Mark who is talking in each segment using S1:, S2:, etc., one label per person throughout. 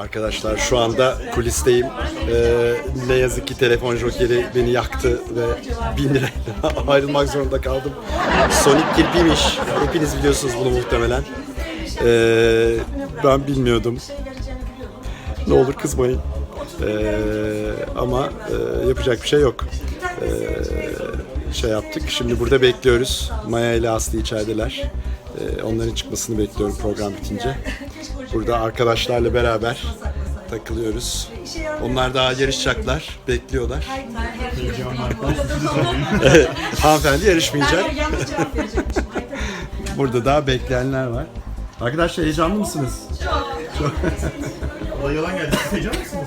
S1: Arkadaşlar şu anda kulisteyim. Ne yazık ki telefon jokeri beni yaktı ve 1000 lirayla ayrılmak zorunda kaldım. Sonic kirpiymiş. Hepiniz biliyorsunuz bunu muhtemelen. Ben bilmiyordum. Ne olur kızmayın. Ama yapacak bir şey yok. Şey yaptık. Şimdi burada bekliyoruz. Maya ile Aslı içerideler. Onların çıkmasını bekliyorum program bitince. Burada arkadaşlarla beraber takılıyoruz. Onlar daha yarışacaklar, bekliyorlar. Hanımefendi yarışmayacak. Burada daha bekleyenler var. Arkadaşlar heyecanlı mısınız? Çok.
S2: Olay yalan geldi. Siz heyecanlı mısınız?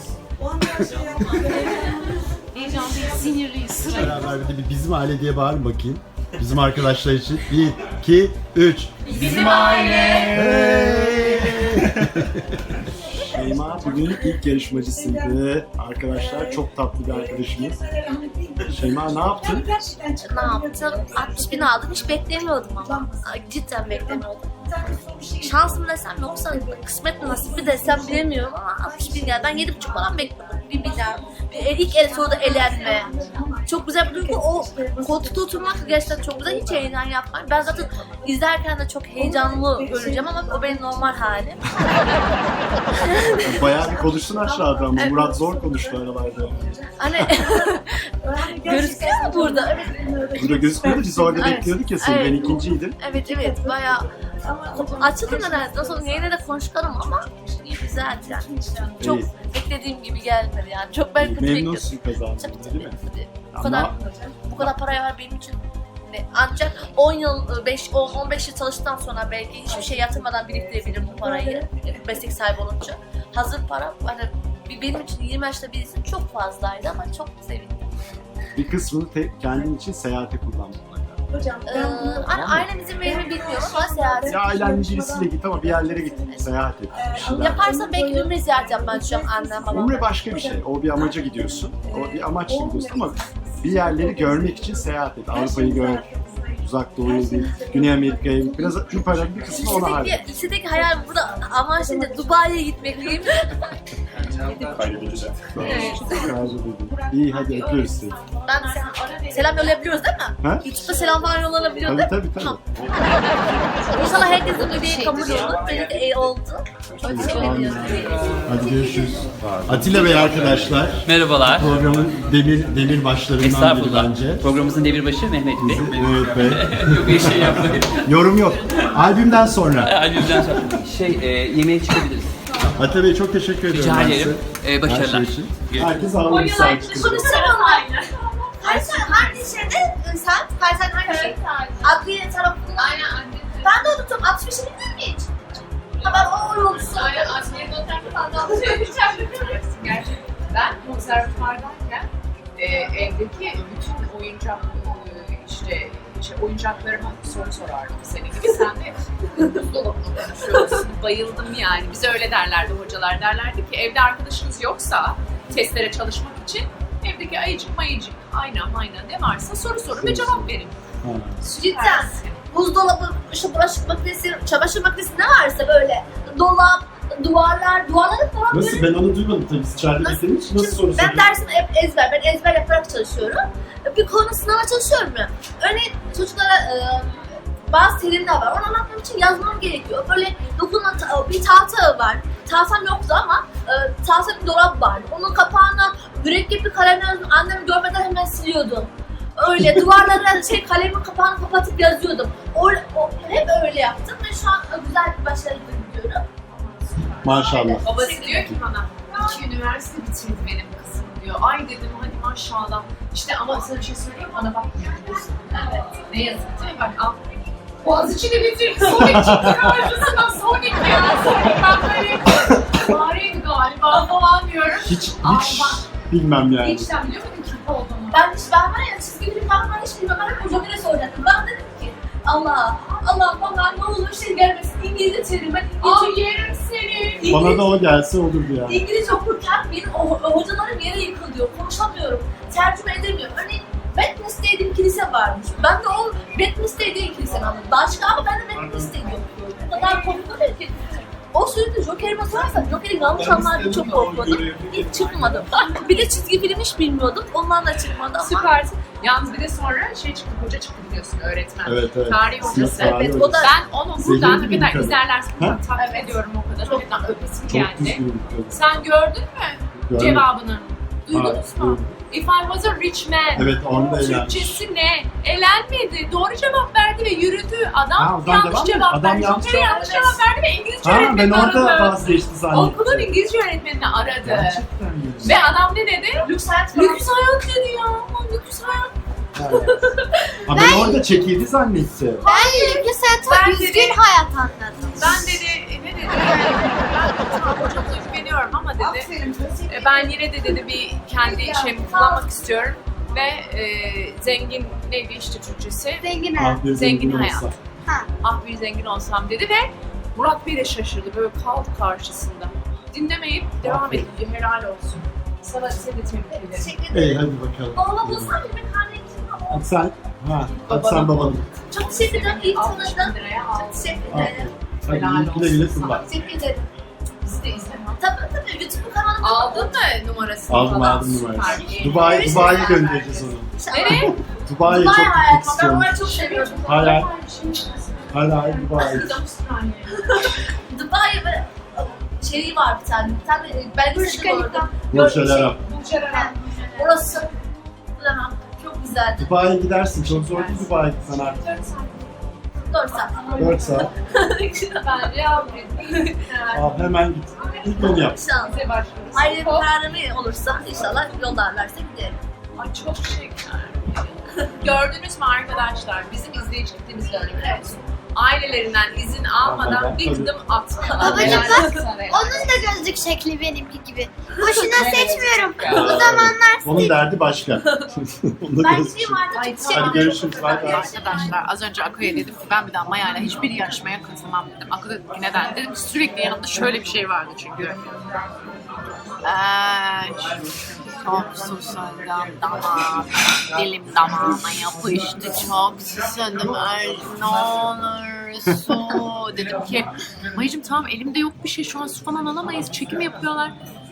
S3: Heyecanlıyız, sinirliyiz.
S1: Beraber bir de bizim aile diye bağırın bakayım. Bizim arkadaşlar için. 1, 2, 3.
S3: Bizim aile.
S1: Şeyma bugün ilk yarışmacısıydı. Arkadaşlar çok tatlı bir arkadaşımız. Şeyma ne yaptın?
S4: Ne yaptım? 60.000 aldım. Hiç beklemiyordum ama. Cidden beklemiyordum. Şansım desem yoksa kısmet mi nasip mi desem bilemiyorum ama 60.000 geldi. Ben 7.5 falan bekliyordum. Bir milyar. İlk el soruda elenme. Çok güzel bir duygu. O koltukta oturmak gerçekten çok güzel. Hiç heyecan yapmayın. Ben zaten izlerken de çok heyecanlı göreceğim ama o benim normal halim.
S1: Bayağı bir konuştun aşağıda ama Murat zor konuştu aralarda.
S4: Hani gözüküyor mu burada?
S1: Burada gözükmüyordu, biz orada
S4: Evet.
S1: bekliyorduk ya seni,
S4: Evet.
S1: ben ikinciydim.
S4: Evet bayağı açıldım nedense. Nasıl olsa yine de konuşalım ama iyi güzel yani. Çok
S1: İyi.
S4: beklediğim gibi gelmedi yani. Çok ben kötü bekliyordum.
S1: Memnunsun kazandığında
S4: Tabii,
S1: değil mi?
S4: Bu kadar paraya var benim için. Ancak 10 yıl, 15 yıl çalıştıktan sonra belki hiçbir şey yatırmadan biriktirebilirim bu parayı. Meslek sahibi olunca. Hazır para hani benim için 20 yaşta birisi için çok fazlaydı ama çok sevindim.
S1: Bir kısmını kendin için seyahate kullandın.
S4: Hani ailem izin verir mi bilmiyorum ama seyahat.
S1: Ya ailenin birisiyle git ama bir yerlere git, seyahat et. Bir şeyler.
S4: Yaparsam belki ümre ziyaret yapmayı düşünüyorum annem babam.
S1: Umre başka bir şey. O bir amaca gidiyorsun. O bir amaçla gidiyorsun ama bir yerleri görmek için seyahat et. Avrupa'yı gör, Uzak Doğu'yu git, Güney Amerika'ya git. Biraz şu paranın bir kısmı ona harca.
S4: İstediğim hayal burada ama şimdi Dubai'ye gitmek değil mi?
S2: Kaybedeceğim.
S1: İyi hadi öpüyoruz seni.
S4: Ben selam yollayabiliyoruz değil mi?
S1: Ha?
S4: YouTube'da selam falan yollanabiliyor
S1: Tabii
S4: değil mi?
S1: tabii tabii.
S4: Tamam. İnşallah herkesin ödeyi kabul olur. Benim de iyi oldu. Çok teşekkür ediyorum.
S1: Hadi görüşürüz. Atilla Bey arkadaşlar.
S5: Merhabalar.
S1: Programın demir başlarından biri
S5: Estağfurullah.
S1: bence.
S5: Programımızın demirbaşı Mehmet Bey.
S1: Evet Bey.
S5: Yok bir şey yapmayın.
S1: Yorum yok. Albümden sonra.
S5: Albümden sonra. Yemeğe çıkabiliriz.
S1: Atilla Bey çok teşekkür ediyorum.
S5: Rica
S1: ben
S5: ederim.
S1: size.
S5: Başarılar.
S1: Her şey için. Herkes ağlamış sahip çıkıyor.
S4: Konuşalım aynı. Hangi şeyde sen? Sen hangi şey? Adliye tarafında. Aynen adliye. Ben de unuttum. 65'i bildin mi hiç? Ha ben o yolcusu.
S3: Aynen adliye noterli falan gerçekten. Ben konservatuvardayken evdeki bütün oyuncak oyuncaklarıma soru sorardım. Senin gibi sen de buzdolabını konuşuyorsun. Bayıldım yani. Bize öyle derlerdi hocalar. Derlerdi ki evde arkadaşınız yoksa testlere çalışmak için evdeki ayıcık mayıcık ayna ne varsa soru sorun ve cevap verin.
S4: Cidden. Buzdolabı, şu bulaşık makinesi, çamaşır makinesi ne varsa böyle. Dolap, duvarları falan
S1: Nasıl? Ben onu duymadım tabii. Siz içeride beklediğim için nasıl soru
S4: Ben
S1: soruyorsun?
S4: dersim hep ezber. Ben ezber yaparak çalışıyorum. Bir konu sınava çalışıyorum ya. Örneğin çocuklara bazı terimler var. Onu anlatmam için yazmam gerekiyor. Böyle dokunan bir tahta var. Tahtam yoktu ama tahta bir dolap vardı. Onun kapağına mürekkepli kalemle annem görmeden hemen siliyordum. Öyle duvarlara kalemin kapağını kapatıp yazıyordum. Hep öyle yaptım ve şu an güzel bir başarı gidiyorum.
S1: Maşallah.
S3: Babası diyor ki bana 2 üniversite bitirdi benim kızım diyor. Ay dedim hadi maşallah. İşte ama sana bir şey söyleyeyim mi? Bana bak evet. Ne yazık ki bak al. Boğaziçi'ni bitirdi. Sonic çıktı karşısına. Sonic ya. Sonic ben böyle fareydi galiba falan diyorum.
S1: Hiç bilmem yani.
S3: Hiç sen biliyor muydun kim olduğunu?
S4: Ben var ya çizgi film falan ben hiç bilmem. Ben hep hocamına soracaktım. Ben dedim ki Allah bana ne olur şey gelmesin. İngilizce çevirin. Ben
S3: Ay yerim seni.
S1: Bana da o gelse olurdu yani.
S4: İngilizce okurken benim hocalarım yere yıkılıyor. Konuşamıyorum. Tercüme edemiyorum. Örneğin Bedminster diye bir kilise varmış. Ben de o Bedminster diye kilise anladım. Başka ama ben de Bedminster diye okuyorum. O kadar komik oluyor ki. O sürekli joker Joker'ime sorarsan Joker'i yanlış anlardı çok korkmadım. Hiç çıkmadım. Bir de çizgi film hiç bilmiyordum. Ondan da çıkmadı ama.
S3: Süpersin. Yalnız bir de sonra şey çıktı, hoca çıktı biliyorsun, öğretmen.
S1: Evet, evet.
S3: Tarih hocası.
S1: Tarih
S4: Evet,
S1: hocası.
S4: o da
S3: Ben onu
S1: Zehirli
S3: buradan ne
S1: bir
S3: kadar
S1: kadın.
S3: izlerlerse
S1: Ha?
S3: takip ediyorum o kadar. Hakikaten öpesim
S1: Çok
S3: geldi.
S1: düzgün bir kadın.
S3: Sen gördün mü
S1: Görmedim.
S3: cevabını? Duydunuz
S1: Ha,
S3: mu?
S1: duydum.
S3: If I was a rich man.
S1: Evet, onu da eğlenmiş.
S3: Türkçesi ne? Elenmedi. Doğru cevap verdi ve yürüdü. Adam
S2: Ha, o zaman
S3: yanlış
S2: devam
S3: cevap
S2: mı? Adam
S3: verdi.
S2: yanlış
S3: Joker
S2: cevap
S3: yanlış cevap verdi ve İngilizce
S2: Ha ben
S3: öğretmenini
S2: orada
S3: aradı.
S2: vazgeçti zannettim.
S3: Okulun İngilizce öğretmenini aradı.
S2: Gerçekten mi?
S3: Ve adam ne dedi?
S4: Lüks hayat falan.
S3: Lüks hayat dedi ya. Lüks hayat.
S2: Ha ben orada çekildi zannetti.
S6: Ben lüks hayat,
S3: Ben
S6: düzgün
S3: dedi-
S6: hayat anladım.
S3: Ben dedi, ne dedi? Ben tamam hocamla güveniyorum ama dedi. Ben yine de dedi bir kendi şeyimi kullanmak istiyorum. Ve zengin neydi işte Türkçesi?
S6: Zengin hayat.
S2: Ah, bir
S3: Zengin hayat.
S2: olsa.
S3: Ah bir zengin olsam dedi ve Murat Bey de şaşırdı, böyle kaldı karşısında. Dinlemeyip devam etti, helal olsun. Sana seni de tebrik ederim.
S4: Teşekkür
S2: İyi
S4: ederim.
S2: hadi bakalım.
S4: Babama bulsam bir karne için.
S2: Hadi sen, hadi sen babanı.
S4: Çok teşekkür ederim. İyi
S3: 60 bin
S4: tanıdın.
S3: liraya
S4: Çok
S3: aldım.
S4: teşekkür ederim.
S2: Hadi güle güle kullan.
S4: Teşekkür ederim.
S3: Bizi de izleme.
S4: Tabii YouTube kanalımda.
S3: Aldın mı numarasını
S2: Aldım
S3: falan?
S2: aldım numarayı.
S3: Süper.
S2: Dubai'ye göndereceğiz onu.
S3: Nereye?
S2: Dubai'ye çok
S4: Dubai
S2: gitmek
S4: hayatım. Ben
S2: istiyorum.
S4: orayı çok seviyorum.
S2: Hala, hala Dubai.
S4: Dubai ve şeyi var bir tane. Bir tane belgeselde gördüm.
S2: Burj Al Arab.
S4: Orası. Bilemem. Çok güzeldi.
S2: Dubai'ye gidersin. Çok zor değil Dubai'ye gitsen artık.
S4: 4 saat.
S2: 4 saat.
S3: Bence almayayım.
S2: Al hemen git. İlk onu yap.
S4: İnşallah.
S3: Size başlıyoruz.
S4: Ayrı bir kararımı olursa inşallah yollarlarsa giderim.
S3: Ay çok şeker. Gördünüz mü arkadaşlar? Bizim izleyici kitlemiz de öyle biliyor musun? Ailelerinden izin almadan bir gıdım atmadan.
S6: Babacım
S3: helal
S6: bak,
S3: olsun sana.
S6: Onun da gözlük şekli benimki gibi. Boşuna seçmiyorum. Bu zamanlar
S2: Onun derdi başka. Onu da
S4: Ben
S2: gözüküyor.
S4: gideyim artık.
S3: Ay,
S4: Çok şey
S3: tamam.
S2: Hadi görüşürüz. Bay bay.
S3: Arkadaşlar az önce Akı'ya dedim ki ben bir daha Maya'yla hiçbir yarışmaya katılmam dedim. Akı dedi ki neden? Dedim ki sürekli yanımda şöyle bir şey vardı çünkü. Çok susadım damağım, dilim damağıma yapıştı, çok susadım, ne olur su. Dedim ki Mayacığım tamam elimde yok bir şey, şu an su falan alamayız, çekim yapıyorlar.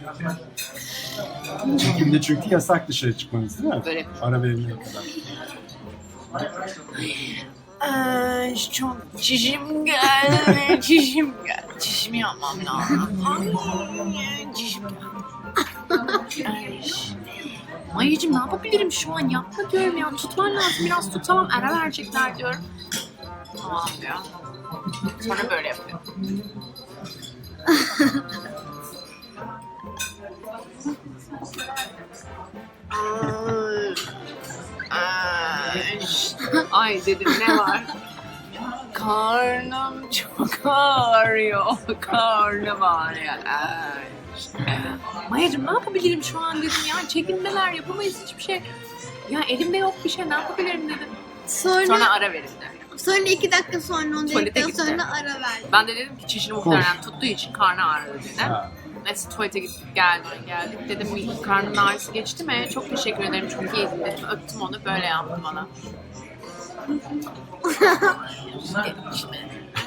S2: Çekimde çünkü yasak dışarı çıkmanız değil mi?
S3: Böyle.
S2: Ara verilene kadar.
S3: Çok çişim geldi, çişim geldi. Çişimi yapmam lazım. Ay, çişim geldi. Ay, Mayacığım ne yapabilirim şu an, yapma diyorum ya, tutman lazım, biraz tut, tamam ara verecekler diyorum. Tamam diyor. Sonra böyle yapıyor. Ay dedim ne var? Karnım çok ağrıyor. Karnım ağrıyor. Mayacığım ne yapabilirim şu an dedim ya. Çekinmeler yapamayız hiçbir şey. Ya elimde yok bir şey, ne yapabilirim dedim. Sonra ara verildi.
S6: Sonra 2 dakika sonra, 10
S3: Tuvalete
S6: dakika
S3: gitti.
S6: sonra ara verdi.
S3: Ben de dedim ki çişini muhtemelen tuttuğu için karnı ağrıyor dedi.
S2: Ha.
S3: Neyse tuvalete gittik geldik. Dedim karnın ağrısı geçti mi? Çok teşekkür ederim, çok iyiydin dedim. Öptüm onu, böyle yaptı bana. Dedim işte.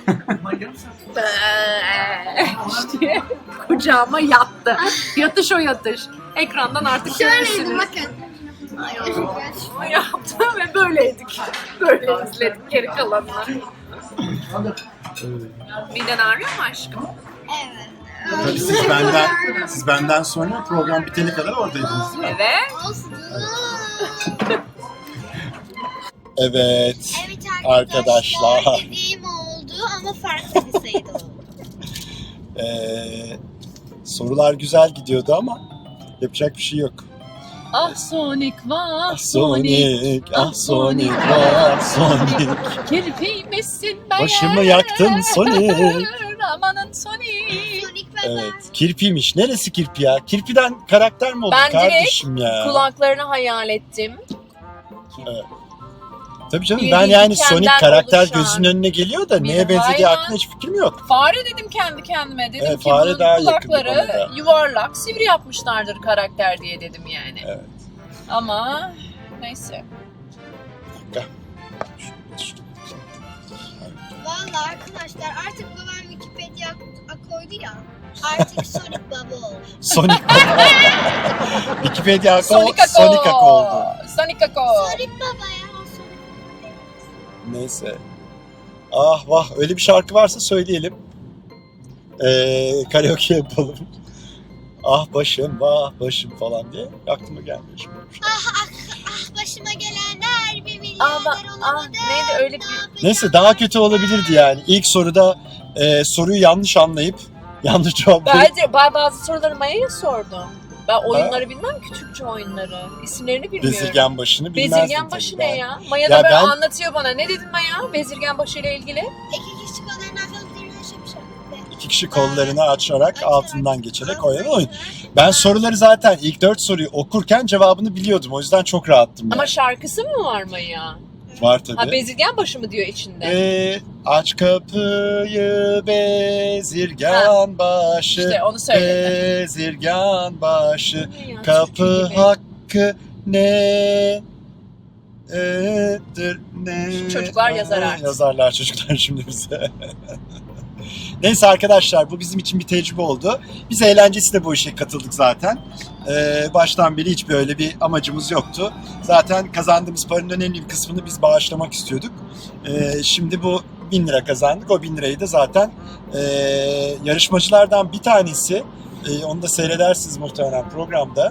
S3: İşte kucağıma yattı. Yatış o yatış. Ekrandan artık
S6: Şöyleydi
S3: görürsünüz.
S6: bakın. Ay,
S3: Yaptı ve böyleydik. Böyle izledik geri kalanını. Miden ağrıyor mu aşkım?
S6: Evet.
S2: Tabii siz benden sonra program bitene kadar oradaydınız değil mi?
S3: Evet.
S6: Olsun.
S1: Evet.
S6: Evet
S1: Arkadaşlar.
S6: arkadaşlar. Dediğim oldu ama farklı bir sayıda oldu.
S1: Sorular güzel gidiyordu ama yapacak bir şey yok.
S3: Ah Sonic vah
S1: Ah Sonic, ah Sonic, ah Sonic.
S3: Kirpiymişsin ben.
S1: Başımı yaktın Sonic.
S3: Amanın Sonic.
S6: Sonic ve
S1: Evet, kirpiymiş. Neresi kirpi ya? Kirpiden karakter mi oldu
S3: Ben direkt
S1: kardeşim ya?
S3: Kulaklarını hayal ettim.
S1: Tabii canım,
S3: bildiğin
S1: ben yani
S3: dikenden
S1: Sonic karakter
S3: oluşan
S1: gözünün önüne geliyor da neye
S3: bir
S1: benzediği
S3: hayvan.
S1: hakkında hiç fikrim yok.
S3: Fare dedim kendi kendime. Dedim
S1: Evet,
S3: ki
S1: fare
S3: bunun
S1: daha yakın
S3: kulakları
S1: bana da.
S3: yuvarlak, sivri yapmışlardır karakter diye dedim yani.
S1: Evet.
S3: Ama neyse.
S6: Valla arkadaşlar artık babam Wikipedia koydu ya. Artık Sonic Baba oldu.
S2: Sonic Wikipedia
S7: Sonic Ako.
S2: Sonic Ako oldu.
S7: Sonic Ako.
S6: Sonic Baba ya.
S2: Neyse. Ah vah, öyle bir şarkı varsa söyleyelim. Karaoke yapalım. Ah başım vah başım falan diye aklıma gelmiyor şimdi.
S6: Ah başıma gelenler bir milyarder olamadı.
S7: Neydi öyle bir...
S2: Neyse, daha kötü olabilirdi yani. İlk soruda soruyu yanlış anlayıp yanlış cevap verip
S7: Ben bazı soruları Maya'ya sordum. Ben oyunları bilmem, küçükçe oyunları. İsimlerini bilmiyorum.
S2: bezirgen başını bilmezdim.
S7: Bezirgen başı
S2: tabii
S7: ne
S2: ben.
S7: ya? Maya
S2: Ya
S7: da böyle
S2: ben-
S7: anlatıyor bana. Ne dedin Maya? Bezirgen başı ile ilgili.
S6: İki kişi kollarını açarak yaşamışlar.
S2: 2 kişi kollarını açarak altından geçerek oynanan oyun. Ben soruları zaten ilk 4 soruyu okurken cevabını biliyordum. O yüzden çok rahattım.
S7: Ama
S2: Yani.
S7: şarkısı mı var Maya?
S2: Var
S7: Ha,
S2: tabii.
S7: bezirgen başı mı diyor içinde?
S2: Aç kapıyı bezirgan başı.
S7: İşte onu söyledi.
S2: Bezirgan başı.
S7: Ne ya,
S2: Kapı
S7: Türkçe gibi.
S2: hakkı ne? Ne?
S7: Çocuklar yazar artık.
S2: Yazarlar çocuklar şimdi bize. Neyse arkadaşlar, bu bizim için bir tecrübe oldu. Biz eğlencesiyle bu işe katıldık zaten. Baştan beri hiçbir öyle bir amacımız yoktu. Zaten kazandığımız paranın önemli bir kısmını biz bağışlamak istiyorduk. Şimdi bu 1000 lira kazandık. O 1000 lirayı da zaten yarışmacılardan bir tanesi, onu da seyredersiniz muhtemelen programda,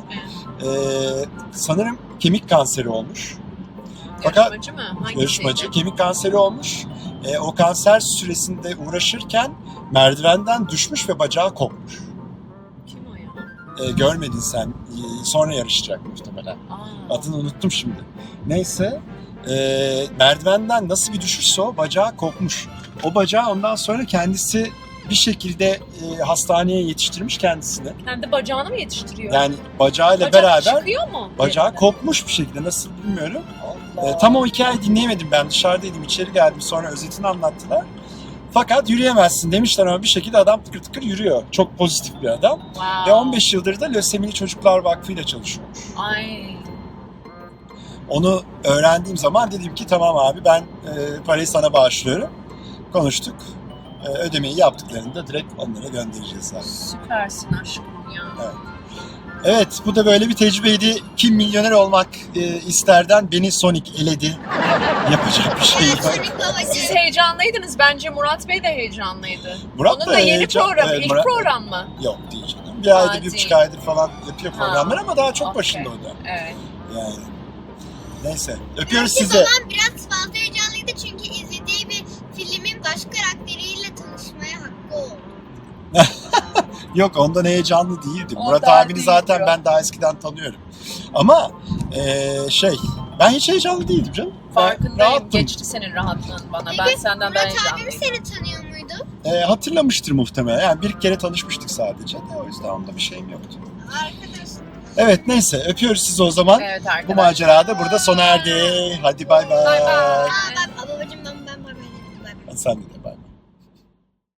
S2: sanırım kemik kanseri olmuş. Fakat
S7: Yarışmacı mı? Hangisiydi?
S2: yarışmacı kemik kanseri olmuş. O kanser süresinde uğraşırken merdivenden düşmüş ve bacağı kopmuş.
S7: Kim o ya?
S2: Görmedin sen. Sonra yarışacak muhtemelen.
S7: Aa.
S2: Adını unuttum şimdi. Neyse. Merdivenden nasıl bir düşüşse o bacağı kopmuş. O bacağı ondan sonra kendisi bir şekilde hastaneye yetiştirmiş kendisini.
S7: Kendi bacağını mı yetiştiriyor?
S2: Yani bacağıyla
S7: Bacak
S2: beraber
S7: çıkıyor mu?
S2: bacağı
S7: yerinden?
S2: kopmuş bir şekilde. Nasıl bilmiyorum.
S7: Allah.
S2: Tam o hikayeyi dinleyemedim ben. Dışarıdaydım, içeri geldim. Sonra özetini anlattılar. Fakat yürüyemezsin demişler ama bir şekilde adam tıkır tıkır yürüyor. Çok pozitif bir adam.
S7: Wow.
S2: Ve 15 yıldır da Lösemili Çocuklar Vakfı ile çalışıyormuş.
S7: Ay.
S2: Onu öğrendiğim zaman dedim ki tamam abi, ben parayı sana bağışlıyorum. Konuştuk. Ödemeyi yaptıklarında direkt onlara göndereceğiz zaten.
S7: Süpersin aşkım ya.
S2: Evet, bu da böyle bir tecrübeydi. Kim milyoner olmak isterden beni Sonic eledi. Yapacak bir şey yok.
S6: Sonic Baba.
S7: Siz heyecanlıydınız. Bence Murat Bey de heyecanlıydı.
S2: Murat
S7: Onun
S2: da
S7: da yeni
S2: heyecan-
S7: program.
S2: evet,
S7: İlk
S2: Murat-
S7: program mı?
S2: Yok değil canım. Bir ayda, bir
S7: değil.
S2: buçuk aydır falan yapıyor programlar ama daha çok
S7: Okey.
S2: başında o da.
S7: Evet.
S2: Yani. Neyse. Öpüyoruz
S6: Belki
S2: sizi.
S6: babam biraz fazla heyecanlıydı çünkü izlediği bir filmin baş karakteriyle tanışmaya hakkı oldu.
S2: Yok, ondan heyecanlı değildim.
S7: Ondan
S2: Murat abini
S7: değil
S2: zaten
S7: ya.
S2: ben daha eskiden tanıyorum. Ama ben hiç heyecanlı değildim canım. Ben
S7: Farkındayım.
S2: rahattım.
S7: Geçti senin rahatlığın bana. Ben
S6: Peki,
S7: senden daha
S6: Murat abim
S7: heyecanlıyım.
S6: seni tanıyor muydu?
S2: Hatırlamıştır muhtemelen. Yani bir kere tanışmıştık sadece. O yüzden onda bir şeyim yoktu.
S6: Arkadaş.
S2: Evet, neyse. Öpüyoruz sizi o zaman.
S7: Evet
S2: Bu
S7: arkadaşlar.
S2: macera da burada sona erdi. Hadi bay bay.
S7: Bay bay.
S6: Aa bak babacım ben bay bay dedim. Bay bay.
S2: Sen de bay.